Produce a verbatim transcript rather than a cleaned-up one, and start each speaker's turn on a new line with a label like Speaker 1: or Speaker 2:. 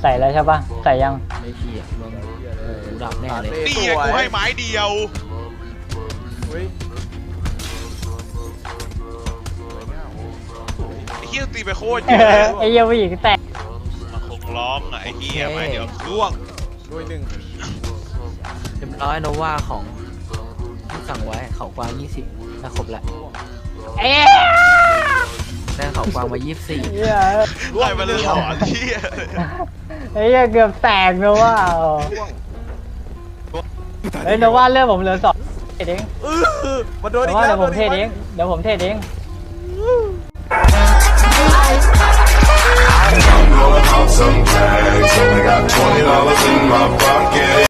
Speaker 1: ใส่แล้วใช่ปะใส่ยัง
Speaker 2: ไม่เกี่ยวมึงหูดับแน่เลย
Speaker 3: นี่ไงกูให้ไม้เดียว
Speaker 4: เฮ้ย
Speaker 3: ไอ้เฮียตีไปโคตรเย
Speaker 1: เอ
Speaker 3: อะ
Speaker 1: อไอ้เหี้ยผู้หญิงแตก
Speaker 3: มันคงร้องอะไอ้เฮียไม้เดียวร่วง
Speaker 4: ด้วยหนึ่ง
Speaker 2: เรียบร้อยโนวาของที่สั่งไว้เขากวางยี่สิบถ้าครบแล้ว
Speaker 1: เอ๊ะ
Speaker 2: ได้เขากวางมายี่สิบสี่
Speaker 1: เหี้ย
Speaker 3: ไล่มันหลอนเฮีย
Speaker 1: ไอ้เหี้ยเกือบแตกนะว่า
Speaker 4: ร่วง
Speaker 1: เฮ้ยนะว่าเรื่องผมเหลือสองเทเอง
Speaker 4: เออมาโดน
Speaker 1: นะ
Speaker 4: อีก
Speaker 1: ว่า
Speaker 4: แล้
Speaker 1: เดี๋ยว วผมเท
Speaker 4: โดน
Speaker 1: เอ
Speaker 4: อี
Speaker 1: ง
Speaker 4: ก
Speaker 1: เดี๋ยวผมเทเอง
Speaker 5: Some tags, only got twenty dollars in my pocket.